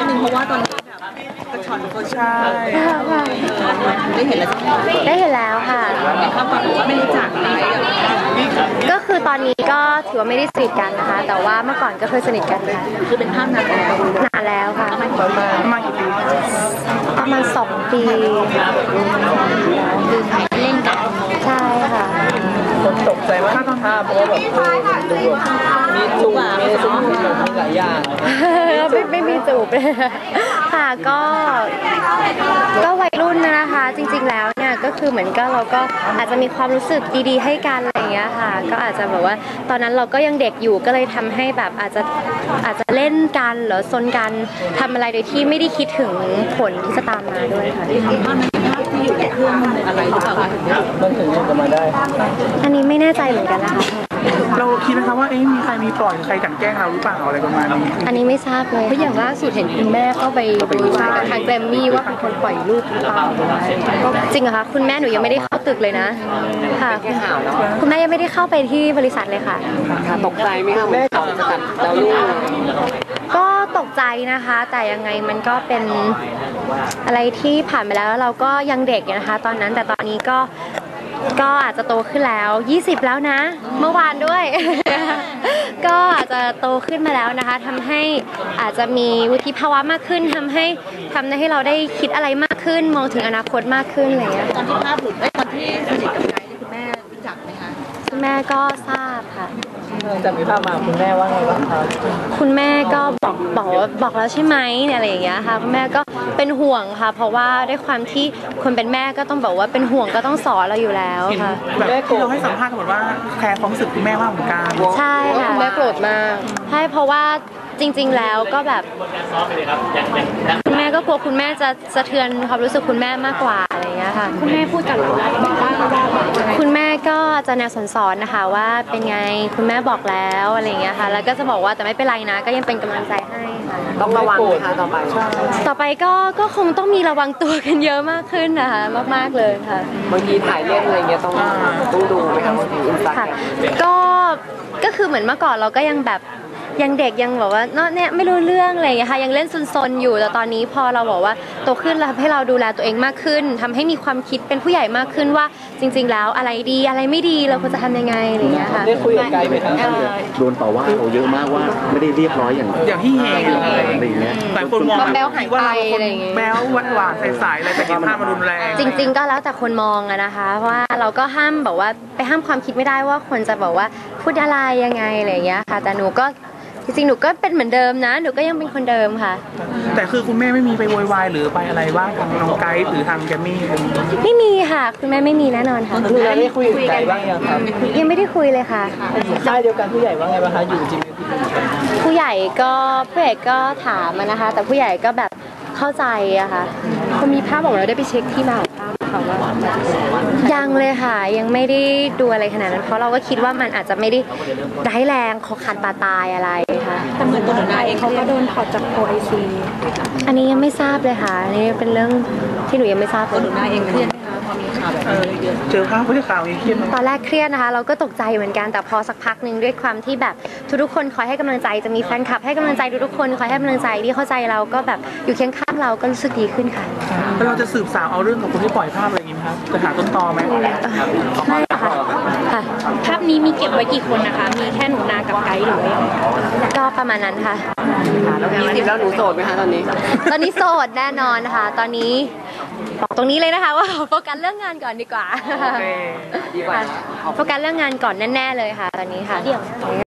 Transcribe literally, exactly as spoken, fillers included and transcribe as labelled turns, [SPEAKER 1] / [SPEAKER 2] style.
[SPEAKER 1] ดนึงเพราะว่าตอนนี้แบบกระชอนก็ใช่ได้เห็นแล้ว
[SPEAKER 2] ได้เห็นแล้วค่ะ
[SPEAKER 1] เขาบอกว่าไม่รู้จักอะไร
[SPEAKER 2] ก็คือตอนนี้ก็ถือว่าไม่ได้สนิทกันนะคะแต่ว่าเมื่อก่อนก็เคยสนิทกันค่ะ
[SPEAKER 1] คือเป็นภาพนานแล้ว
[SPEAKER 2] นานแล้วค่ะ
[SPEAKER 1] ประมาณกี่ปี
[SPEAKER 2] ประมาณสองปี
[SPEAKER 1] คือเล่นกัน
[SPEAKER 2] ใช่ค่ะ
[SPEAKER 3] คนตกใจว่าตอนภาพเพราะว่าแบบดูมีจูบมีซุ้มมีหลายอย่าง
[SPEAKER 2] ไม่ไม่มีจูบเลยค่ะก็ก็วัยรุ่นนะคะจริงๆแล้วเนี่ยก็คือเหมือนก็เราก็อาจจะมีความรู้สึกดีๆให้กันอะไรอย่างเงี้ยค่ะก็อาจจะแบบว่าตอนนั้นเราก็ยังเด็กอยู่ก็เลยทำให้แบบอาจจะอาจจะเล่นกันหรือซนกันทำอะไรโดยที่ไม่ได้คิดถึงผลที่จะตามมาด้วยค่ะ
[SPEAKER 1] ภาพนั้นภาพที่อยู่ในเครื่องอะไรหรือเปล่าคะ
[SPEAKER 3] มันถึงจะมาได้
[SPEAKER 2] อันนี้ไม่แน่ใจเหมือนกันนะคะ
[SPEAKER 4] เราคิดไหมคะว่าเอ๊ะมีใครมีปล่อยใครกันแกล้งเราหรือเปล่าอะไรประมาณนี้
[SPEAKER 2] อันนี้ไม่ทราบเลย
[SPEAKER 5] เพราะอย่างล่าสุดเห็นคุณแม่เข้าไปโวยวายกับทางแกรมมี่ว่าเป็นคนปล่อยรูปหรือเปล่า
[SPEAKER 2] จริงเหรอคะคุณแม่หนูยังไม่ได้เข้าตึกเลยนะค่ะคุณแม่ยังไม่ได้เข้าไปที่บริษัทเลยค่ะ
[SPEAKER 5] ตกใจไหมคะแม่ตกใจแล้วลูก
[SPEAKER 2] ก็ตกใจนะคะแต่ยังไงมันก็เป็นอะไรที่ผ่านไปแล้วเราก็ยังเด็กนะคะตอนนั้นแต่ตอนนี้ก็ก็อาจจะโตขึ้นแล้วยี่สิบแล้วนะเมื่อวานด้วย ก็อาจจะโตขึ้นมาแล้วนะคะทำให้อาจจะมีวุฒิภาวะมากขึ้นทำให้ทำให้เราได้คิดอะไรมากขึ้นมองถึงอนาคตมากขึ้นอะไรอย่างเงี้ย
[SPEAKER 1] ตอนที่ภาพหลุดไอ้ตอนที่สนิทกับไกด์คุณแม่รู้จักไหมคะ
[SPEAKER 2] คุณแม่ก็ทราบค่ะ
[SPEAKER 3] จากมีภาพมาคุณแม่ว่าไงบ้างคะ
[SPEAKER 2] คุณแม่ก็บอกบอกบอกแล้วใช่ไหมเนี่ยอะไรอย่างเงี้ยค่ะคุณแม่ก็เป็นห่วงค่ะเพราะว่าด้วยความที่คนเป็นแม่ก็ต้องบอกว่าเป็นห่วงก็ต้องสอนเราอยู่แล้วค่ะ
[SPEAKER 4] แบบที่เราให้สัมภาษณ์กันหมดว่าแคร์ความรู้สึกคุณแม่มากเหมือนกัน
[SPEAKER 2] ใช่ค่ะ
[SPEAKER 5] คุณแม่โกรธมาก
[SPEAKER 2] ใช่เพราะว่าจริงๆแล้วก็แบบคุณแม่ก็กลัวคุณแม่จะสะเทือนความรู้สึกคุณแม่มากกว่าอะไรอย่างเงี้ยค่ะ
[SPEAKER 5] คุณแม่พูดกับเราว่า
[SPEAKER 2] คุณแม่ก็จะแนวสอนๆนะคะว่าเป็นไงคุณแม่บอกแล้วอะไรอย่างเงี้ยค่ะแล้วก็จะบอกว่าแต่ไม่เป็นไรนะก็ยังเป็นกำลังใจให้ค่ะ
[SPEAKER 5] ต้องระวังนะคะต่อไป
[SPEAKER 2] ต่อไปก็ก็คงต้องมีระวังตัวกันเยอะมากขึ้นนะคะมากๆเลยค่ะ
[SPEAKER 5] บางทีถ่ายเล่นอะไรเงี้ยต้องต้องดูไหมคะบางทีอินสตาแกรม
[SPEAKER 2] ก็ก็คือเหมือนเมื่อก่อนเราก็ยังแบบยังเด็กยังแบบว่าเนาะเนี่ยไม่รู้เรื่องอะไรอย่างเงี้ยค่ะยังเล่นซนๆอยู่แต่ตอนนี้พอเราบอกว่าโตขึ้นแล้วให้เราดูแลตัวเองมากขึ้นทำให้มีความคิดเป็นผู้ใหญ่มากขึ้นว่าจริงๆแล้วอะไรดีอะไรไม่ดีเราควรจะทำยังไงอะไรอย่างเงี้ยค่ะ
[SPEAKER 3] ได้คุยกับไกด์ไหมครับ
[SPEAKER 6] โดนต่อว่าเราเยอะมากว่าไม่ได้เรียบร้อยอย่าง
[SPEAKER 4] อย่างที่เฮงอะไรอย่างเงี้ยหลายคนมองว่าเราคนแบ๊วหวานหวานใสๆอะไรแต่เห็นภาพมันรุนแรง
[SPEAKER 2] จริงๆก็แล้วแต่คนมองอะนะคะว่าเราก็ห้ามบอกว่าไปห้ามความคิดไม่ได้ว่าคนจะบอกว่าพูดอะไรยังไงอะไรอย่างเงี้ยค่ะแต่หนูก็จริงๆหนูก็เป็นเหมือนเดิมนะหนูก็ยังเป็นคนเดิมค่ะ
[SPEAKER 4] แต่คือคุณแม่ไม่มีไปโวยวายหรือไปอะไรว่าทางน้องไกด์หรือทางแกมมี่
[SPEAKER 2] ไม่มีค่ะคุณแม่ไม่มีแน่นอนค่ะ
[SPEAKER 3] คือเราได้คุยกับไกด์บ้างยังครับ
[SPEAKER 2] ยังไม่ได้คุยเลยค่ะ
[SPEAKER 3] ใช่เดียวกันผู้ใหญ่ว่าไงบ้างคะอยู่จริง
[SPEAKER 2] ผู้ใหญ่ก็ผู้ใหญ่ก็ถามนะคะแต่ผู้ใหญ่ก็แบบเข้าใจอะค่ะ
[SPEAKER 5] คุณมีภาพบอกเราได้ไปเช็คที่มาของภาพเขาว่า
[SPEAKER 2] ยังเลยค่ะยังไม่ได้ดูอะไรขนาดนั้นเพราะเราก็คิดว่ามันอาจจะไม่ได้ร้ายแรงคอขาดบาดตายอะไรค่ะ
[SPEAKER 1] แต่เหมือนตัวหนูนาเอง
[SPEAKER 5] เขาก็โดนถอดจากโอไอซี
[SPEAKER 2] อันนี้ยังไม่ทราบเลยค่ะอันนี้เป็นเรื่องที่หนูยังไม่ทราบ
[SPEAKER 1] ตัวหนูนาเองเครียดไหมคะพอมีข่าวแบบนี้เยอะ
[SPEAKER 4] เจอภาพผู้ข่าวนี้เครียด
[SPEAKER 2] ตอนแรกเครียดนะคะเราก็ตกใจเหมือนกันแต่พอสักพักหนึ่งด้วยความที่แบบทุกๆคนคอยให้กำลังใจจะมีแฟนคลับให้กำลังใจทุกๆคนคอยให้กำลังใจที่เข้าใจเราก็แบบอยู่เคียงข้างเราก็รู้สึกดีขึ้นค่ะ
[SPEAKER 4] แล้วเราจะสืบสาวเอาเรื่องของคนที่ปล่อยภาพอะไรอย่างนี้ไหมครับจะหาต้นตอไหม
[SPEAKER 2] ไม่ค่ะ
[SPEAKER 5] ภาพนี้มีเก็บไว้กี่คนนะคะมีแค่หนูนากับไกด์หรือว่า
[SPEAKER 2] ก็ประมาณนั้นค่ะ
[SPEAKER 5] แล้วยี่สิบแล้วหนูโสดไหมคะตอนนี้
[SPEAKER 2] ตอนนี้โสดแน่นอนค่ะตอนนี้บอกตรงนี้เลยนะคะว่าโฟกัสเรื่องงานก่อนดีกว่า
[SPEAKER 5] ดีกว่า
[SPEAKER 2] โฟกัสเรื่องงานก่อนแน่ๆเลยค่ะตอนนี้ค่ะ